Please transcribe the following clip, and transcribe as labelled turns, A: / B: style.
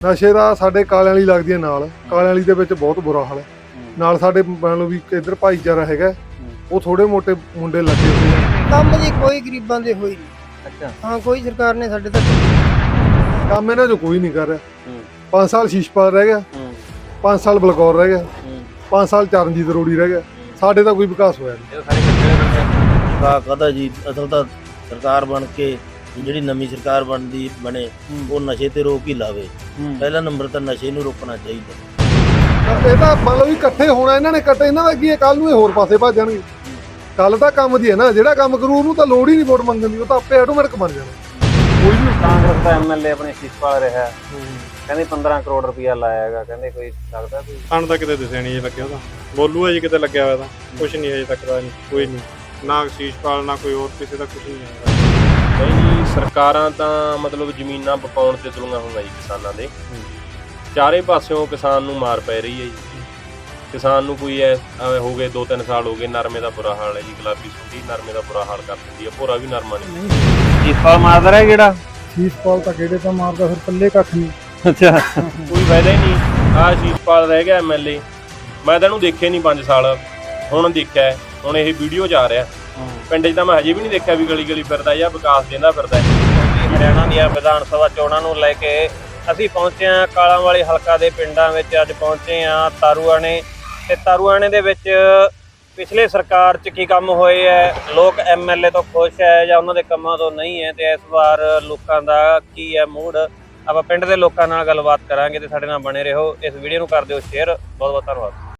A: ਨਸ਼ੇ ਦਾ ਸਾਡੇ ਕਾਲਿਆਂ ਵਾਲੀ ਲੱਗਦੀ ਹੈ ਨਾਲ, ਕਾਲਿਆਂ ਵਾਲੀ ਦੇ ਵਿੱਚ ਬਹੁਤ ਬੁਰਾ ਹਾਲ ਹੈ। ਨਾਲ ਸਾਡੇ ਮੰਨ ਲਓ ਵੀ ਇੱਧਰ ਭਾਈਚਾਰਾ ਹੈਗਾ, ਉਹ ਥੋੜੇ ਮੋਟੇ ਮੁੰਡੇ ਲੱਗੇ ਹੋਏ ਆ।
B: ਕੰਮ ਜੀ ਕੋਈ ਗਰੀਬਾਂ ਦੇ ਹੋਈ ਨਹੀਂ।
C: ਅੱਛਾ
B: ਹਾਂ ਕੋਈ ਸਰਕਾਰ ਨੇ ਸਾਡੇ ਤੱਕ
A: ਕੰਮ ਇਹਨਾਂ 'ਚੋਂ ਕੋਈ ਨਹੀਂ ਕਰ ਰਿਹਾ। 5 ਸਾਲ ਸ਼ੀਸ਼ਪਾਲ ਰਹਿ ਗਿਆ, 5 ਸਾਲ ਬਲਕੌਰ ਰਹਿ ਗਿਆ, 5 ਸਾਲ ਚਰਨਜੀਤ ਰੋੜੀ ਰਹਿ ਗਿਆ। ਸਾਡੇ ਤਾਂ ਕੋਈ ਵਿਕਾਸ ਹੋਇਆ ਨਹੀਂ।
D: ਕਹਦਾ ਜੀ ਅਸਲ ਤਾਂ ਸਰਕਾਰ ਬਣ ਕੇ ਜਿਹੜੀ ਨਵੀਂ ਸਰਕਾਰ ਬਣੇ ਉਹ ਨਸ਼ੇ ਤੇ ਰੋਕ ਹੀ ਲਾਵੇ। ਪਹਿਲਾ ਨੰਬਰ ਤਾਂ ਨਸ਼ੇ ਨੂੰ ਰੋਕਣਾ ਚਾਹੀਦਾ।
A: ਇਹ ਤਾਂ ਮੰਨ ਲਓ ਵੀ ਇਕੱਠੇ ਹੋਣਾ, ਇਹਨਾਂ ਨੇ ਇਕੱਠੇ, ਇਹਨਾਂ ਦਾ ਕੀ ਹੈ, ਕੱਲ ਨੂੰ ਇਹ ਹੋਰ ਪਾਸੇ ਭੱਜ ਜਾਣਗੇ। ਕੱਲ ਤਾਂ ਕੰਮ ਦੀ ਹੈ ਨਾ, ਜਿਹੜਾ ਕੰਮ ਕਰੂ ਉਹਨੂੰ ਤਾਂ ਲੋੜ ਹੀ ਨਹੀਂ ਵੋਟ ਮੰਗਣ ਦੀ, ਉਹ ਤਾਂ ਆਪੇ ਆਟੋਮੈਟਿਕ ਬਣ ਜਾਣਾ।
C: ਕੋਈ ਵੀ ਕਾਂਗਰਸ ਦਾ ਐਮਐਲਏ ਆਪਣੇ ਸ਼ੀਸ਼ਪਾਲ ਰਿਹਾ, ਕਹਿੰਦੇ 15 ਕਰੋੜ ਰੁਪਇਆ ਲਾਇਆ ਹੈਗਾ, ਕਹਿੰਦੇ ਕੋਈ ਲੱਗਦਾ ਕੋਈ
E: ਸਾਨੂੰ ਤਾਂ ਕਿਤੇ ਦਿਸਿਆ ਨਹੀਂ ਲੱਗਿਆ। ਉਹਦਾ ਬੋਲੂ ਹੈ ਜੀ ਕਿਤੇ ਲੱਗਿਆ ਹੋਇਆ ਤਾਂ ਕੁਛ ਨਹੀਂ ਅਜੇ ਤੱਕ ਦਾ ਨਹੀਂ, ਕੋਈ ਨਹੀਂ, ਨਾ ਸ਼ੀਸ਼ਪਾਲ ਨਾ ਕੋਈ ਹੋਰ ਕਿਸੇ ਦਾ ਕੁਛ ਨਹੀਂ ਹੈ।
F: ਨਹੀਂ, ਸਰਕਾਰਾਂ ਤਾਂ ਮਤਲਬ ਜ਼ਮੀਨਾਂ ਬਕਾਉਣ ਤੇ ਤੁਲੀਆਂ ਹੋਈਆਂ ਜੀ ਕਿਸਾਨਾਂ ਦੇ। ਚਾਰੇ ਪਾਸਿਓਂ ਕਿਸਾਨ ਨੂੰ ਮਾਰ ਪੈ ਰਹੀ ਹੈ ਜੀ। ਕਿਸਾਨ ਨੂੰ ਕੋਈ ਹੋ ਗਏ 2-3 ਸਾਲ ਹੋ ਗਏ, ਨਰਮੇ ਦਾ ਬੁਰਾ ਹਾਲ ਹੈ ਜੀ। ਗੁਲਾਬੀ ਸੁੱਟੀ ਨਰਮੇ ਦਾ ਬੁਰਾ ਹਾਲ ਕਰ ਦਿੰਦੀ ਹੈ, ਭੋਰਾ ਵੀ ਨਰਮਾ ਨਹੀਂ।
C: ਸ਼ੀਸ਼ਪਾਲ ਮਾਰਦਾ ਰਿਹਾ ਕਿਹੜਾ
A: ਸ਼ੀਸ਼ਪਾਲ ਤਾਂ ਕਿਹੜੇ ਤਾਂ ਮਾਰਦਾ, ਫਿਰ ਪੱਲੇ ਕੱਖ ਨਹੀਂ।
C: ਅੱਛਾ
F: ਕੋਈ ਫਾਇਦਾ ਹੀ ਨਹੀਂ। ਆਹ ਸ਼ੀਸ਼ਪਾਲ ਰਹਿ ਗਿਆ ਐਮਐਲਏ, ਮੈਂ ਤਾਂ ਇਹਨੂੰ ਦੇਖਿਆ ਨਹੀਂ 5 ਸਾਲ, ਹੁਣ ਦੇਖਿਆ, ਹੁਣ ਇਹ ਵੀਡੀਓ 'ਚ ਆ ਰਿਹਾ। ਪਿੰਡ 'ਚ ਤਾਂ ਮੈਂ ਹਜੇ ਵੀ ਨਹੀਂ ਦੇਖਿਆ ਵੀ ਗਲੀ ਗਲੀ ਫਿਰਦਾ ਜਾਂ ਵਿਕਾਸ ਦੇਂਦਾ ਫਿਰਦਾ।
C: ਹਰਿਆਣਾ ਦੀਆਂ ਵਿਧਾਨ ਸਭਾ ਚੋਣਾਂ ਨੂੰ ਲੈ ਕੇ ਅਸੀਂ ਪਹੁੰਚੇ ਹਾਂ ਕਾਲਾਂਵਾਲੀ ਹਲਕਾ ਦੇ ਪਿੰਡਾਂ ਵਿੱਚ। ਅੱਜ ਪਹੁੰਚੇ ਹਾਂ ਤਾਰੂਆਣੇ, ਤੇ ਤਾਰੂਆਣੇ ਦੇ ਵਿੱਚ ਪਿਛਲੇ ਸਰਕਾਰ 'ਚ ਕੀ ਕੰਮ ਹੋਏ ਹੈ, ਲੋਕ ਐਮਐਲਏ ਤੋਂ ਖੁਸ਼ ਹੈ ਜਾਂ ਉਹਨਾਂ ਦੇ ਕੰਮਾਂ ਤੋਂ ਨਹੀਂ ਹੈ, ਤੇ ਇਸ ਵਾਰ ਲੋਕਾਂ ਦਾ ਕੀ ਹੈ ਮੂਡ। ਆਪਾਂ ਪਿੰਡ ਦੇ ਲੋਕਾਂ ਨਾਲ ਗੱਲਬਾਤ ਕਰਾਂਗੇ, ਤੇ ਸਾਡੇ ਨਾਲ ਬਣੇ ਰਹੋ। ਇਸ ਵੀਡੀਓ ਨੂੰ ਕਰ ਦਿਓ ਸ਼ੇਅਰ। ਬਹੁਤ ਬਹੁਤ ਧੰਨਵਾਦ।